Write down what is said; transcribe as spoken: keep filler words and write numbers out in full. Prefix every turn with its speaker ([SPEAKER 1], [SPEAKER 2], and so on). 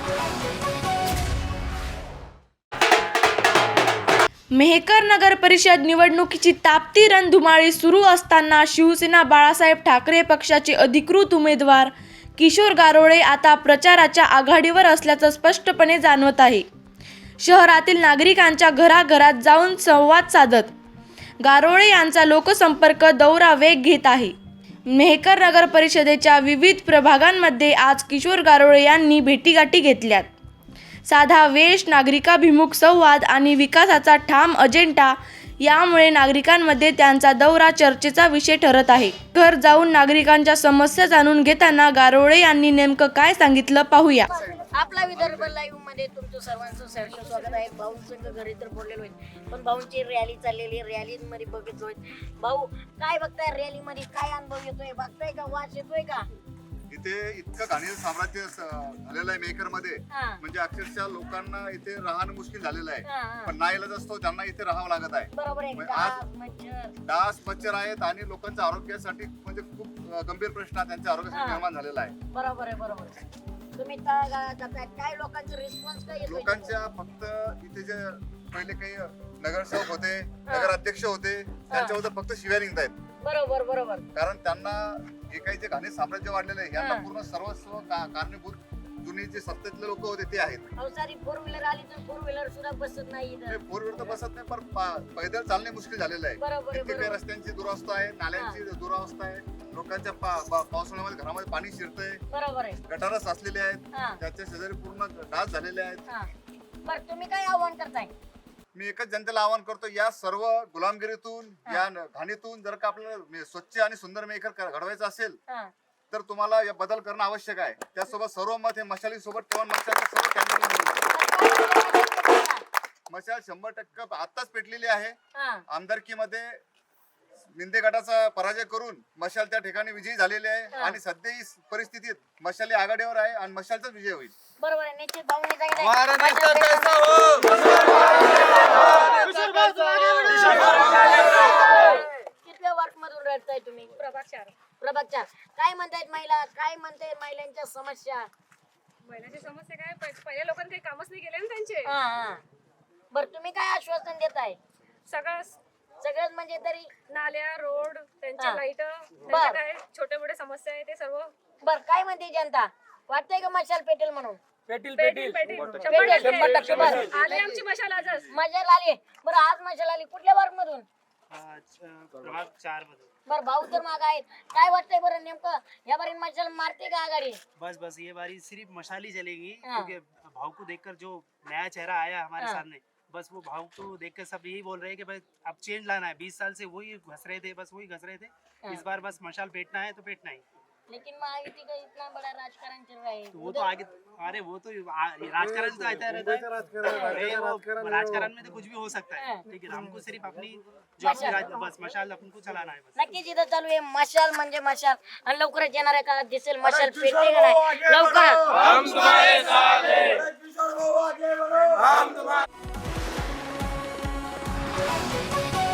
[SPEAKER 1] मेहकर नगर परिषद निवडणुकीची तापती रणधुमाळी सुरू असताना शिवसेना बाळासाहेब ठाकरे पक्षाचे अधिकृत उमेदवार किशोर गारोळे आता प्रचाराच्या आघाडीवर असल्याचं स्पष्टपणे जाणवत आहे. शहरातील नागरिकांच्या घराघरात जाऊन संवाद साधत गारोळे यांचा लोकसंपर्क दौरा वेग घेत आहे. मेहकर नगर परिषदेच्या विविध प्रभागांमध्ये आज किशोर गारोळे यांनी भेटीगाठी घेतल्यात. साधा वेश, नागरिकाभिमुख संवाद आणि विकासाचा ठाम अजेंडा यामुळे नागरिकांमध्ये त्यांचा दौरा चर्चेचा विषय ठरत आहे. घर जाऊन नागरिकांच्या समस्या जाणून घेताना गारोळे यांनी नेमकं काय सांगितलं पाहूया.
[SPEAKER 2] आपला विदर्भ लाईव्ह मध्ये तुमचं सर्वांचं सहर्ष स्वागत आहे. भाऊंसंग घरी तर बोललेलो आहे, पण भाऊंची रॅली चाललेली, रॅली मध्ये बघतोय. भाऊ काय बघताय रॅली मध्ये, काय अनुभव येतोय, बघताय का, वास येतोय का?
[SPEAKER 3] इथे इतकं घाणेरडं साम्राज्य झालेलं आहे मेकर मध्ये, म्हणजे अक्षरशः लोकांना इथे राहणं मुश्किल झालेलं आहे. पण नाईलाज असतो, त्यांना इथे राहावं लागत आहे.
[SPEAKER 2] बरोबर आहे. डास मच्छर
[SPEAKER 3] डास मच्छर आहेत आणि लोकांच्या आरोग्यासाठी म्हणजे खूप गंभीर प्रश्न त्यांच्या आरोग्यासाठी निर्माण झालेला आहे.
[SPEAKER 2] बरोबर आहे, बरोबर आहे. तुम्ही काय लोकांचा रिस्पॉन्स काय येतोय?
[SPEAKER 3] लोकांच्या फक्त इथे जे पहिले काही नगरसेवक होते, नगराध्यक्ष होते, त्यांच्याबद्दल फक्त शिव्या निघतायत.
[SPEAKER 2] बरोबर बरोबर. कारण
[SPEAKER 3] त्यांना हे काही जे घाणे साम्राज्य वाढलेलं आहे यांना पूर्ण सर्वस्व कारणीभूत जुने जे सत्तेतले लोक होते ते आहेत.
[SPEAKER 2] सारी फोर व्हीलर आली तर फोर व्हीलर सुद्धा बसत नाही.
[SPEAKER 3] फोर व्हीलर तर बसत नाही, पण पैदल चालणे मुश्किल झालेलं आहे. तिथे रस्त्यांची दुरावस्था आहे, नाल्यांची दुरावस्था आहे, लोकांच्या पावसाळ्यामध्ये घरामध्ये पाणी शिरतंय,
[SPEAKER 2] बरोबर आहे,
[SPEAKER 3] गटारं साचलेले आहेत, त्याच्या शेजारी पूर्ण डास झालेले आहेत.
[SPEAKER 2] बरं तुम्ही काय आव्हान करताय?
[SPEAKER 3] मी एकच जनतेला आवाहन करतो, या सर्व गुलामगिरीतून, या घाणीतून जर का आपल्याला स्वच्छ आणि सुंदर मेकर घडवायचं असेल तर तुम्हाला या बदल करणं आवश्यक आहे. त्यासोबत सर्व मत हे मशाली सोबत ठेवून मशालचे सर्व कॅन्डिडेट मशाल शंभर टक्के आताच पेटलेली आहे. आमदारकीमध्ये मिंदे गटाचा पराजय करून मशाल त्या ठिकाणी विजयी झालेले आहे आणि सध्या ही परिस्थितीत मशाली आघाडीवर आहे आणि मशालचाच विजय होईल.
[SPEAKER 2] बरोबर आहे. निश्चित भाऊंनी सांगितलं कितव्या वार्ड मधून रडताय तुम्ही?
[SPEAKER 4] प्रभाग चार.
[SPEAKER 2] प्रभाग चार. काय म्हणतायत महिला, काय म्हणतायत महिलांच्या समस्या?
[SPEAKER 4] महिलांची समस्या काय, पहिल्या लोकांनी काही कामच नाही केले ना त्यांचे.
[SPEAKER 2] हा हा. बरं तुम्ही काय आश्वासन देताय?
[SPEAKER 4] सगळं
[SPEAKER 2] सगळंच म्हणजे तरी
[SPEAKER 4] नाल्या, रोड, त्यांचे लाईट, काय छोटे मोठे समस्या आहे ते सर्व.
[SPEAKER 2] बर काय म्हणते जनता, वाटतंय का मशाल पेटेल म्हणून?
[SPEAKER 4] पेटील पेटील पेटील शंभर टक्के आले आमची मशाल आजच.
[SPEAKER 2] मशाल आली. बरं आज मशाल आली कुठल्या वार्ड मधून?
[SPEAKER 5] प्रभाग चार मधून.
[SPEAKER 2] बर भाऊ तर माग आहेत, काय वाटतंय बरं नेमकं या बारी मशाल मारते का आघाडी?
[SPEAKER 5] बस बस ये बारी सिर्फ मशाल ही चलेगी, क्योंकि भाव को देखकर जो नया चेहरा आया हमारे सामने, बस वो भाव को देखकर सब यही बोल रहे हैं कि भाई अब चेंज लाना है. बीस साल से वही घस रहे थे, बस वही घस रहे थे. इस बार बस मशाल पेटना है तो पेटना ही.
[SPEAKER 2] लेकिन महायुति का इतना बड़ा राजकारण चल रहा है,
[SPEAKER 5] तो वो तो आगे, अरे वो तो राजकारण तो आता रहता है. राजकारण में तो कुछ भी हो सकता है, लेकिन हमको सिर्फ अपनी जो अपनी राज, बस मशाल अपन को चलाना है. बस
[SPEAKER 2] नक्कीच इथं चालू आहे मशाल म्हणजे मशाल, आणि लवकरच येणाऱ्या काळात दिसेल मशाल पेटते का नाही. लवकरच हम तुम्हारे साथ हैं.